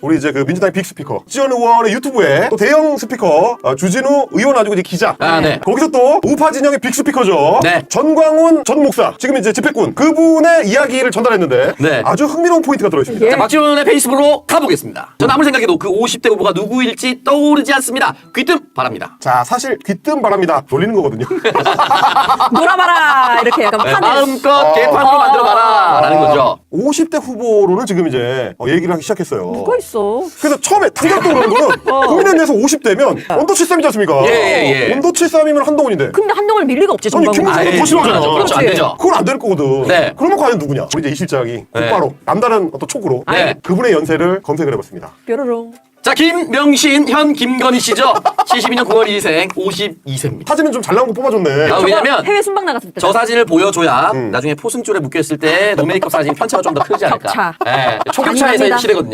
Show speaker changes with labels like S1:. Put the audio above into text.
S1: 우리 이제 그 민주당의 빅스피커 지원 의원의 유튜브에 또 대형 스피커 주진우 의원 아니고 이제 기자.
S2: 네.
S1: 거기서 또 우파 진영의 빅스피커죠.
S2: 네.
S1: 전광훈 전 목사 지금 이제 집회꾼 그분의 이야기를 전달했는데
S2: 네.
S1: 아주 흥미로운 포인트가 들어있습니다.
S2: 자, 박지원의 페이스북으로 가보겠습니다. 저는 아무리 생각해도 그 50대 후보가 누구일지 떠오르지 않습니다. 귀뜸 바랍니다.
S1: 자, 사실 귀뜸 바랍니다. 돌리는 거거든요.
S3: 놀아봐라 이렇게 약간 판을.
S2: 마음껏 개판으로 만들어봐라 라는 거죠.
S1: 50대 후보로는 지금 이제 얘기를 하기 시작했어요.
S3: 누가 있어?
S1: 그래서 처음에 탄력도 그런 거는 국민의힘에서 50대면 언더치 싸움이지 않습니까?
S2: 예.
S1: 언더치 싸움이면 한동훈인데.
S3: 근데 한동훈 밀 리가 없지
S1: 아니
S3: 정광훈.
S1: 김문수가 더 싫어하잖아.
S2: 그렇죠. 안 되죠.
S1: 그건 안 될 거거든.
S2: 네.
S1: 그러면 과연 누구냐? 우리 이제 이 실장이 곧바로 남다른 어떤 촉으로
S2: 네.
S1: 그분의 연세를 검색을 해봤습니다.
S3: 뾰로롱.
S2: 자, 김명신 현 김건희 씨죠. 72년 9월 2생 52세입니다.
S1: 사진은 좀 잘 나온 거 뽑아줬네.
S2: 아, 왜냐면
S3: 해외 순방 나갔을 때.
S2: 저 사진을 보여줘야 나중에 포승줄에 묶여있을 때 노메이크업 사진 편차가 좀 더 크지 않을까.
S3: 격차.
S2: 네, 초격차에서의
S3: 아닙니다.
S2: 시대거든요.